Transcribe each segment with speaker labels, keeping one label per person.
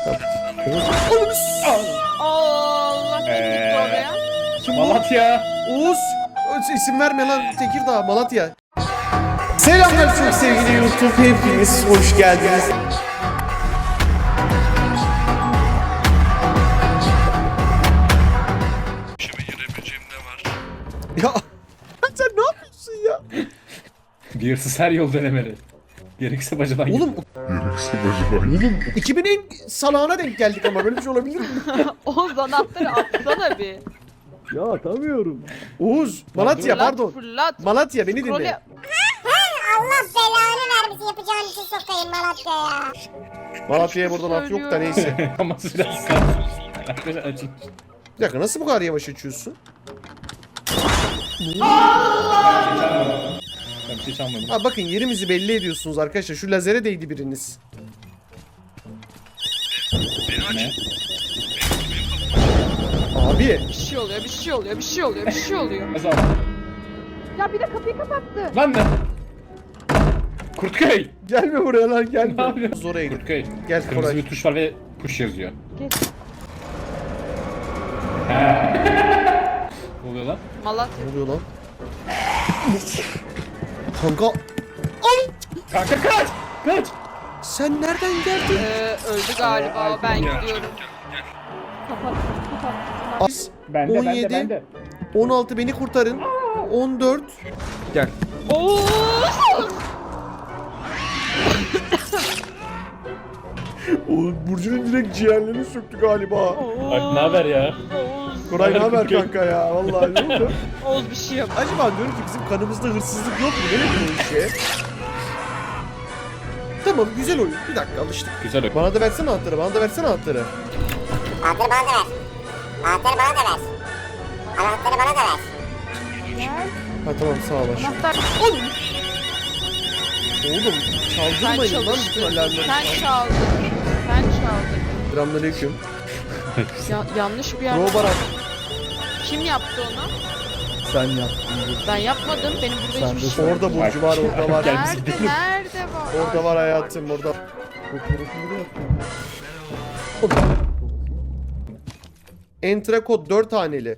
Speaker 1: Allah gitti oraya.
Speaker 2: Kim bu?
Speaker 3: Malatya.
Speaker 2: Oğuz. İsim verme lan. Tekirdağ, Malatya. Selamlar çok sevgili YouTube. Hepiniz hoş geldiniz.
Speaker 4: Şimdi girebileceğim ne var?
Speaker 2: Ya sen ne yapıyorsun ya?
Speaker 3: Bir hırsız her yol denemeli. Gerekirse bacadan gir.
Speaker 2: Oğlum 2000'in salağına denk geldik ama böyle bir şey olabilir mi?
Speaker 1: Oğuz anahtarı atsana bir.
Speaker 5: Ya atamıyorum.
Speaker 2: Oğuz, Malatya
Speaker 1: Fırlat,
Speaker 2: pardon.
Speaker 1: fırlat.
Speaker 2: Malatya beni
Speaker 1: Scroll
Speaker 2: dinle.
Speaker 1: yap.
Speaker 6: Allah belanı vermesin, yapacağın işi sokayım Malatya'ya.
Speaker 2: Malatya'ya burada laf yok da neyse.
Speaker 3: Ama biraz kal. Arkadaşlar açın.
Speaker 2: Bir dakika nasıl bu kadar yavaş açıyorsun?
Speaker 3: Ben bir şey çalmadım.
Speaker 2: Ha bakın yerimizi belli ediyorsunuz arkadaşlar. Şu lazere değdi biriniz.
Speaker 3: Ne?
Speaker 2: Abi
Speaker 1: Bir şey oluyor, bir şey oluyor, bir şey oluyor, bir şey oluyor.
Speaker 3: Nasıl aldın?
Speaker 1: Ya bir de kapıyı kapattı.
Speaker 3: Lan ne? Kurtköy.
Speaker 2: gelme buraya lan
Speaker 3: Ne
Speaker 2: gelme.
Speaker 3: yapıyorsun?
Speaker 2: Oraya git.
Speaker 3: Kurtköy.
Speaker 2: Gel
Speaker 3: Kırmızı
Speaker 2: Koray.
Speaker 3: bir tuş var ve push yazıyor.
Speaker 1: Geç.
Speaker 3: Ne oluyor lan?
Speaker 1: Malatya.
Speaker 2: Ne oluyor lan? Kanka
Speaker 3: Kanka kaç! Kaç!
Speaker 2: sen nereden geldin?
Speaker 1: Öldü galiba, ben gidiyorum.
Speaker 2: Biz
Speaker 3: Bende
Speaker 2: 17, 16 beni kurtarın. 14. Gel.
Speaker 1: Oğuz!
Speaker 2: Oğlum Burcu'nun direkt ciğerlerini söktü galiba.
Speaker 3: Bak ne haber ya?
Speaker 1: Oğuz!
Speaker 2: Koray ne haber kanka ya? Vallahi ne oldu?
Speaker 1: Oğuz bir şey yap.
Speaker 2: Acaba diyorum ki bizim kanımızda hırsızlık yok mu? Nereye bu işe? Tamam güzel oyun. Bir dakika alıştık.
Speaker 3: Güzel oyun.
Speaker 2: Bana da versene anahtarı. Bana da versene anahtarı.
Speaker 6: Anahtarı bana da ver. Anahtarı bana da ver. Anahtarı bana da ver.
Speaker 2: Ha tamam sağ ol aşkım.
Speaker 1: Anahtar
Speaker 2: Oğlum
Speaker 1: sen
Speaker 2: çaldırmayın lan bütün
Speaker 1: çalıştın.
Speaker 2: alarmları.
Speaker 1: Sen çaldın. Sen çaldın.
Speaker 2: Selamünaleyküm.
Speaker 1: Yanlış bir yer.
Speaker 2: Crowbar at.
Speaker 1: Kim yaptı onu?
Speaker 5: Sen yaptın.
Speaker 1: Ben yapmadım. Benim burada
Speaker 5: Sen
Speaker 1: hiçbir
Speaker 5: de
Speaker 1: şey yok.
Speaker 2: Orada Burcu var, orada var.
Speaker 3: Gel biz
Speaker 1: Nerede?
Speaker 3: gidelim.
Speaker 1: Nerede var?
Speaker 2: Orada var hayatım, orada.
Speaker 5: Fotoğrafını yaptın.
Speaker 2: Entra kod 4 haneli.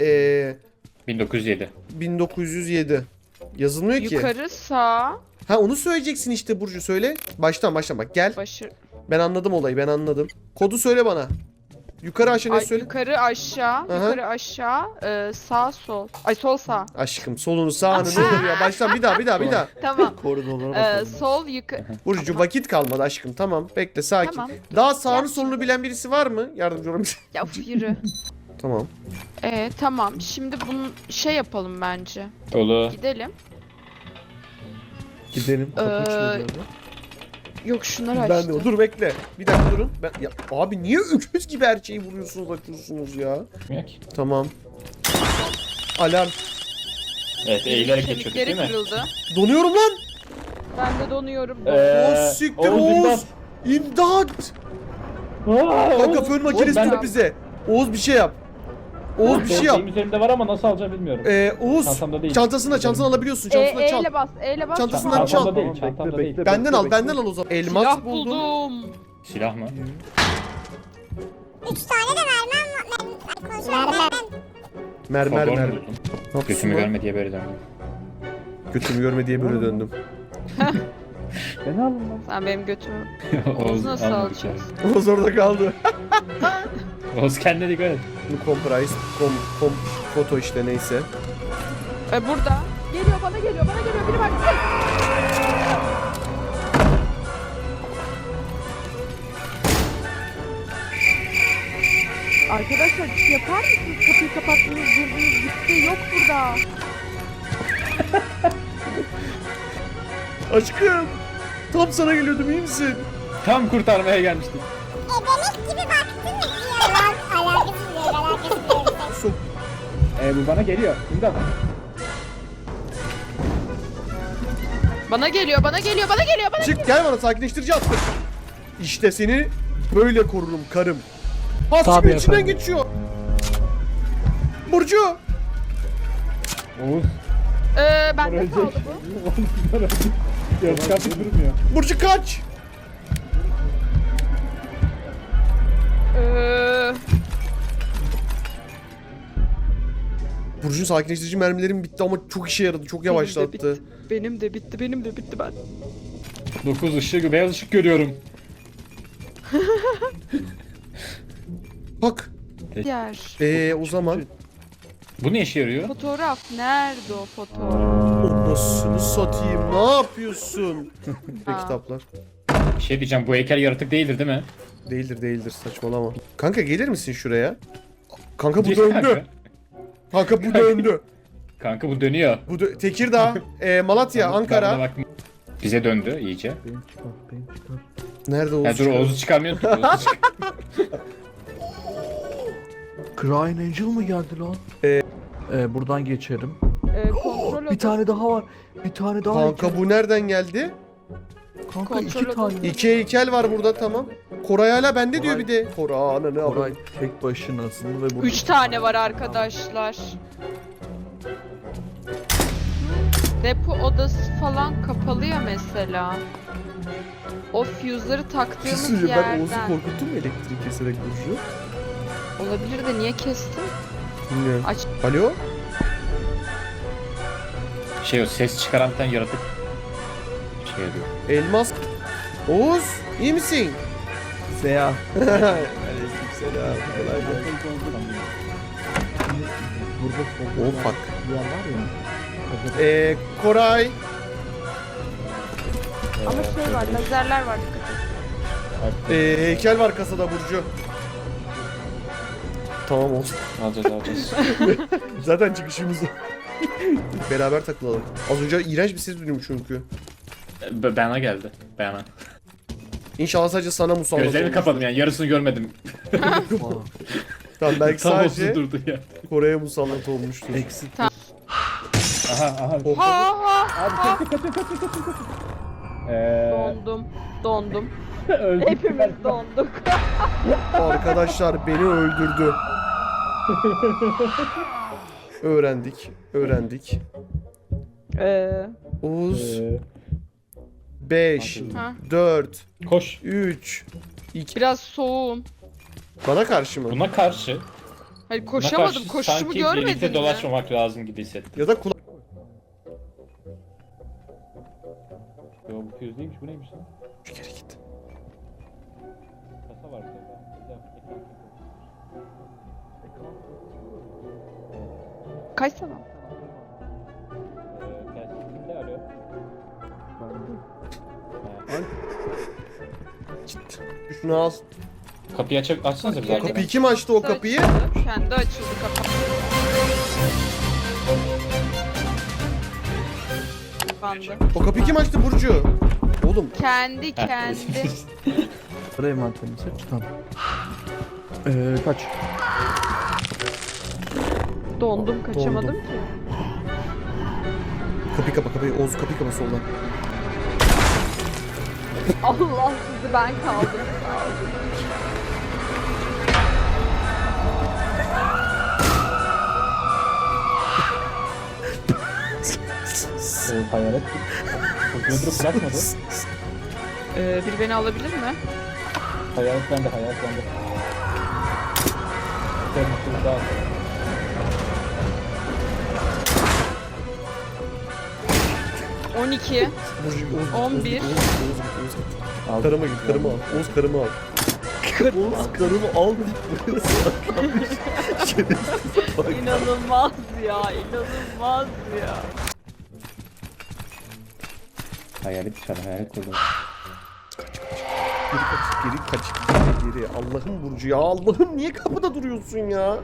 Speaker 3: 1907.
Speaker 2: 1907. Yazılmıyor ki.
Speaker 1: Yukarı sağ
Speaker 2: Ha onu söyleyeceksin işte Burcu söyle. Baştan bak gel.
Speaker 1: başı.
Speaker 2: Ben anladım olayı ben anladım. Kodu söyle bana. Yukarı aşağı ne
Speaker 1: Ay,
Speaker 2: söyle?
Speaker 1: yukarı aşağı, yukarı aşağı, sağ sol. Ay sol sağ.
Speaker 2: Aşkım solunu sağını ne olur ya. Baştan bir daha.
Speaker 1: Tamam.
Speaker 5: Koridorlara bakalım.
Speaker 1: Sol yukarı.
Speaker 2: Burcu vakit kalmadı aşkım tamam. Bekle sakin.
Speaker 1: Tamam.
Speaker 2: Daha sağını
Speaker 1: Yap.
Speaker 2: solunu bilen birisi var mı? Yardımcı olabilir.
Speaker 1: Ya uf, yürü.
Speaker 2: Tamam.
Speaker 1: Tamam. Şimdi bunu şey yapalım bence.
Speaker 3: Olur.
Speaker 1: Gidelim.
Speaker 5: Gidelim. Kapı açılıyor
Speaker 1: Ee,
Speaker 5: bu arada.
Speaker 1: Yok şunları
Speaker 2: Ben
Speaker 1: açtı.
Speaker 2: de dur bekle. Bir dakika durun. Ya, abi niye öküz gibi her şeyi vuruyorsunuz açıyorsunuz ya?
Speaker 3: Bilmiyorum ki.
Speaker 2: Tamam. Alarm.
Speaker 3: Evet eğilerek geçiyorduk
Speaker 1: Kemikleri
Speaker 3: değil mi?
Speaker 1: kırıldı.
Speaker 2: Donuyorum lan.
Speaker 1: Ben de donuyorum.
Speaker 2: Oğuz siktir Oğuz. İmdat. Kanka fön makinesi
Speaker 3: ben-
Speaker 2: tut bize. Oğuz bir şey yap. Oğuz bir şey yap.
Speaker 3: Benim üzerimde var ama nasıl alacağım bilmiyorum.
Speaker 2: Oğuz
Speaker 3: Çantamda değil.
Speaker 2: çantasını alabiliyorsun. Çantasına çal.
Speaker 1: Eyle bas, eyle bas.
Speaker 2: Çantasından çal.
Speaker 3: Çantamda değil,
Speaker 5: Tamam,
Speaker 3: çantamda
Speaker 5: bekle,
Speaker 3: değil.
Speaker 5: bekle.
Speaker 2: Benden al o zaman. Elmas
Speaker 1: Silah
Speaker 2: buldum.
Speaker 1: buldum.
Speaker 3: Silah mı?
Speaker 6: 3 tane de vermem. Konuşmam.
Speaker 2: Mermer
Speaker 3: Fotoğraf
Speaker 2: mermer.
Speaker 3: buldum. Gözümü görme diye böyle döndüm.
Speaker 2: Götümü görme diye böyle döndüm.
Speaker 5: Beni alın lan.
Speaker 1: Sen benim götümü. Oğuz nasıl
Speaker 3: almadı
Speaker 1: alacağız?
Speaker 2: Oğuz orada kaldı.
Speaker 3: bir kere. Oğuz kendine dikkat et.
Speaker 2: Bu comprise, foto işte neyse.
Speaker 1: Burada. Geliyor bana geliyor. Biri bak. Arkadaşlar bir şey yapar mısınız? Kapıyı kapattınız, girdiniz, gitti. Yok burada.
Speaker 2: Aşkım. Tam sana geliyordum iyi misin?
Speaker 3: Tam kurtarmaya gelmiştim.
Speaker 6: Ebelik gibi baktın mı? Alakasız değil.
Speaker 2: Sok.
Speaker 3: Bu bana geliyor. İmdat.
Speaker 1: Bana geliyor.
Speaker 2: Çık gel bana sakinleştirici attım. İşte seni böyle korurum karım. Hasbim içinden geçiyor. Burcu.
Speaker 3: Oğuz.
Speaker 1: Bende kaldı bu.
Speaker 3: Yarışkan durmuyor.
Speaker 2: Burcu kaç. Burcu'nun sakinleştirici mermilerim bitti ama çok işe yaradı. Çok yavaşlattı.
Speaker 1: Benim de bitti ben.
Speaker 3: 9 ışık, beyaz ışık görüyorum.
Speaker 2: Bak.
Speaker 1: Diğer
Speaker 2: O zaman
Speaker 3: Bu ne işe yarıyor?
Speaker 1: fotoğraf nerede o fotoğraf?
Speaker 2: anasını satayım. Ne yapıyorsun? Ve
Speaker 1: Aa.
Speaker 2: kitaplar.
Speaker 3: Bir şey diyeceğim, bu heykel yaratık değildir değil mi?
Speaker 2: Değildir saçmalama. Kanka gelir misin şuraya? Kanka bu
Speaker 3: Gel
Speaker 2: döndü.
Speaker 3: kanka.
Speaker 2: Kanka bu döndü.
Speaker 3: Kanka bu dönüyor.
Speaker 2: Tekirdağ, Malatya,
Speaker 3: Ben de
Speaker 2: Ankara.
Speaker 3: bak- Bize döndü iyice.
Speaker 5: Benim çıkar.
Speaker 2: Nerede
Speaker 3: Ya
Speaker 2: Oğuz?
Speaker 3: dur
Speaker 2: çıkıyor?
Speaker 3: Oğuz'u çıkarmıyorsun ki. Oğuz'u çık-
Speaker 5: Crying Angel mı geldi lan? Buradan geçerim.
Speaker 1: Kontrol
Speaker 5: Bir tane daha var. Bir tane daha
Speaker 2: Kanka bu nereden geldi?
Speaker 5: Kanka
Speaker 1: Kontrol
Speaker 5: iki tane.
Speaker 2: İki heykel var burada tamam. Koray hala bende diyor bir de. Koray ananı
Speaker 5: Koray
Speaker 2: avradım.
Speaker 5: tek başınasın ve burada
Speaker 1: 3 tane var arkadaşlar. Depo odası falan kapalı ya mesela. O fuse'ları
Speaker 2: Bir şey
Speaker 1: taktığımız
Speaker 2: söyleyeceğim, ben Oğuz'u
Speaker 1: yerden.
Speaker 2: korkuttum mu elektrik keserek Burcu?
Speaker 1: Olabilir de niye kestin?
Speaker 2: Bilmiyorum.
Speaker 1: Aç.
Speaker 2: Alo?
Speaker 3: Şey o ses çıkaran bir tane yaratık. Şey diyor.
Speaker 2: Elmas. Oğuz iyi misin?
Speaker 5: Seya.
Speaker 2: Aleykümselam.
Speaker 5: Burada solda
Speaker 2: Oh fuck.
Speaker 5: bir yer var ya.
Speaker 2: Koray.
Speaker 1: Ama şey var, lazerler var dikkat et.
Speaker 2: Heykel var kasada Burcu. Tamam olsun.
Speaker 3: Alacağız.
Speaker 2: Zaten çıkışımız o. Beraber takılalım. Az önce iğrenç bir ses duydum çünkü.
Speaker 3: Bana geldi. Bana.
Speaker 2: İnşallah sadece sana musallat
Speaker 3: Gözlerimi
Speaker 2: olmuştur.
Speaker 3: kapadım yani yarısını görmedim.
Speaker 2: Tamam belki
Speaker 3: Tam
Speaker 2: sadece
Speaker 3: olsun durdu ya.
Speaker 2: Kore'ye musallat olmuştur.
Speaker 5: Exit.
Speaker 3: Aha.
Speaker 2: Oh.
Speaker 1: Ha ha! Dondum.
Speaker 3: Öldüm.
Speaker 1: Hepimiz donduk.
Speaker 2: Arkadaşlar beni öldürdü. Öğrendik. Oğuz 5
Speaker 1: Ha.
Speaker 2: 4
Speaker 3: Koş.
Speaker 2: 3 2
Speaker 1: Biraz soğuğum.
Speaker 2: Bana karşı mı?
Speaker 3: Buna karşı.
Speaker 1: Hayır
Speaker 3: Buna
Speaker 1: koşamadım.
Speaker 3: karşı
Speaker 1: Koşuşumu
Speaker 3: sanki
Speaker 1: görmedin
Speaker 3: birlikte
Speaker 1: mi?
Speaker 3: dolaşmamak lazım gibi hissettim.
Speaker 2: Ya da kulak.
Speaker 3: Yo bu füze değilmiş, bu neymiş lan?
Speaker 2: Geri git.
Speaker 3: Kasa var burada.
Speaker 1: Kaç sana?
Speaker 3: Kimde arıyor?
Speaker 2: Git. Şunu al.
Speaker 3: Kapıyı açsanıza bir
Speaker 1: Kapıyı
Speaker 3: dakika.
Speaker 2: Kapıyı kim açtı o kapıyı?
Speaker 1: Kendi açıldı kapı. Kapandı.
Speaker 2: O kapıyı kim açtı Burcu? Oğlum
Speaker 1: Kendi.
Speaker 5: Buraya envanterimi seç. Tamam. Kaç.
Speaker 1: Dondum kaçamadım ki.
Speaker 2: kapıyı kapa kapıyı. Oğuz kapıyı kapa soldan.
Speaker 1: Allah sizi ben kaldım.
Speaker 3: Hayalet. Kapıyı durup bırakmadı.
Speaker 1: Biri beni alabilir mi?
Speaker 3: Hayalet bende. Sen daha.
Speaker 1: 12.
Speaker 2: Burcu Oğuz.
Speaker 1: 11.
Speaker 2: Oğuz. Karıma git karımı al. Oğuz karımı al. Oğuz karımı al deyip buraya saklamış. Şerefsiz bak.
Speaker 1: İnanılmaz inanılmaz ya.
Speaker 3: Hayalet dışarı, hayalet koydu.
Speaker 2: Geri kaç. Geri. Allah'ım Burcu ya. Allah'ım niye kapıda duruyorsun ya?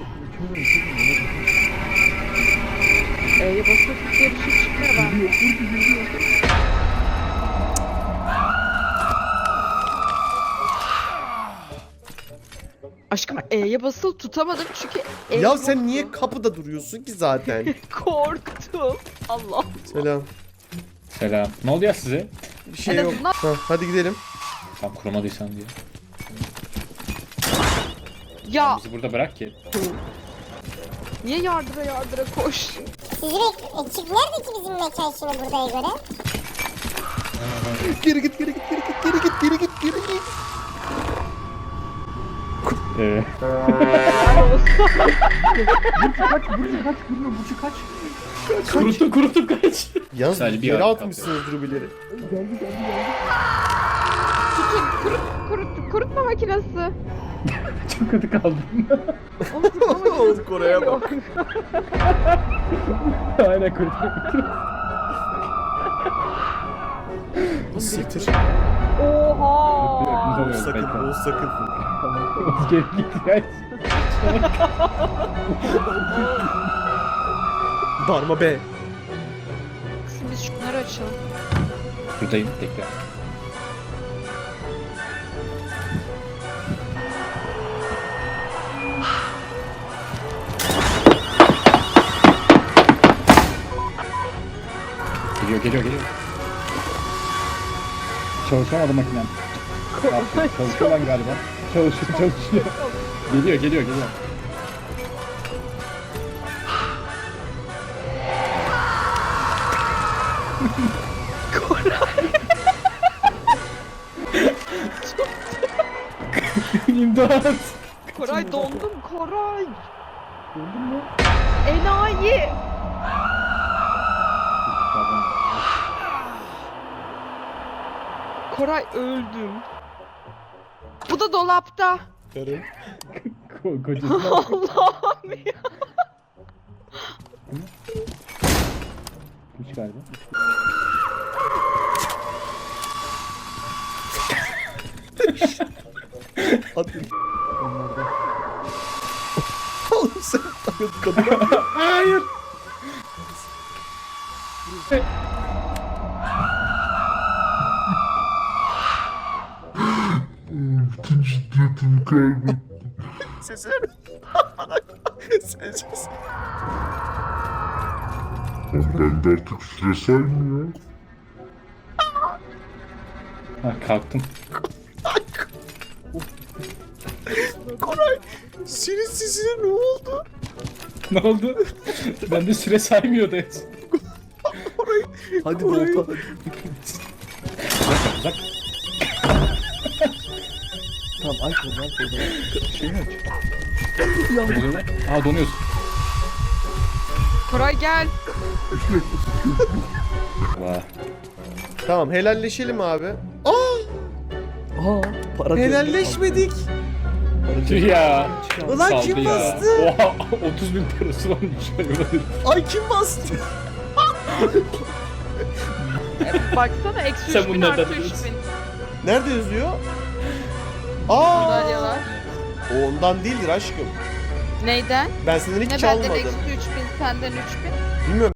Speaker 1: Basıp bir şey çıkmıyor ben. Aşkım E'ye basılı tutamadım çünkü E
Speaker 2: Ya sen
Speaker 1: yoktu.
Speaker 2: niye kapıda duruyorsun ki zaten?
Speaker 1: Korktum. Allah.
Speaker 2: Selam.
Speaker 3: Selam. Ne oldu ya size?
Speaker 2: Bir şey
Speaker 1: En
Speaker 2: yok.
Speaker 1: azından-
Speaker 2: Ha, hadi gidelim.
Speaker 3: Tam kurumadıysan diye.
Speaker 1: Ya
Speaker 3: Bizi burada bırak ki.
Speaker 1: niye yardıra koş.
Speaker 6: Sizi nerede ki bizim mekan şimdi buradaya göre?
Speaker 2: Geri git.
Speaker 1: Helal olsun.
Speaker 3: Kurutup kaç.
Speaker 2: Yalnız
Speaker 3: Sadece bir
Speaker 2: yere
Speaker 3: artı
Speaker 2: atmışsınız rubileri.
Speaker 1: Kurutma makinesi.
Speaker 3: Çok kötü kaldım.
Speaker 1: Onu kurutma makinesi.
Speaker 2: Oğuz Kore'ye bak.
Speaker 3: Aynen kurutup.
Speaker 2: Siktir.
Speaker 1: Oha.
Speaker 2: Oğuz sakın, Oğuz sakın.
Speaker 3: Geri git ya.
Speaker 2: Darma be.
Speaker 1: Şimdi biz şunları açalım.
Speaker 3: Buradayım tekrar. Geliyor. Çalışamadı makinem. Çalışıyor lan galiba. Çalışıyor. Geliyor. İmdat.
Speaker 1: Koray dondum Koray. Dondun mu? Enayi. Koray öldüm. Bu da dolapta.
Speaker 2: Karım.
Speaker 3: Kocası.
Speaker 1: Allah'ım ya.
Speaker 3: Üç galiba.
Speaker 2: Hadi. Oğlum sen kadına...
Speaker 3: Hayır.
Speaker 7: Bütün ciddiyetimi kaybettim.
Speaker 2: Sesi. Sessiz.
Speaker 7: Ben de artık süre saymıyor.
Speaker 3: Ha, kalktım.
Speaker 2: Koray. Senin sesine ne oldu?
Speaker 3: Ne oldu? Ben de süre saymıyordu.
Speaker 2: Hadi
Speaker 3: Koray.
Speaker 2: volta.
Speaker 3: Uzak.
Speaker 5: Tamam aç oradan. Şeyi aç.
Speaker 3: Aa donuyorsun.
Speaker 1: Koray gel.
Speaker 3: Vah.
Speaker 2: Tamam helalleşelim abi.
Speaker 5: Aa para
Speaker 2: Helalleşmedik.
Speaker 3: Tüh ya.
Speaker 2: Ulan
Speaker 3: Saldı
Speaker 2: kim
Speaker 3: ya.
Speaker 2: bastı?
Speaker 3: Oha 30.000 parası varmış.
Speaker 2: Ay kim bastı?
Speaker 1: Baksana eksi
Speaker 3: Sen
Speaker 1: 3000
Speaker 3: bunlardan
Speaker 1: artı
Speaker 3: biliyorsun.
Speaker 1: 3000.
Speaker 2: Nerede yazıyor? Aa!
Speaker 1: Madalyalar.
Speaker 2: O ondan değildir aşkım.
Speaker 1: Neyden?
Speaker 2: Ben senden hiç
Speaker 1: Ne benden
Speaker 2: çalmadım.
Speaker 1: eksi 3000 senden 3000.
Speaker 2: Bilmiyorum.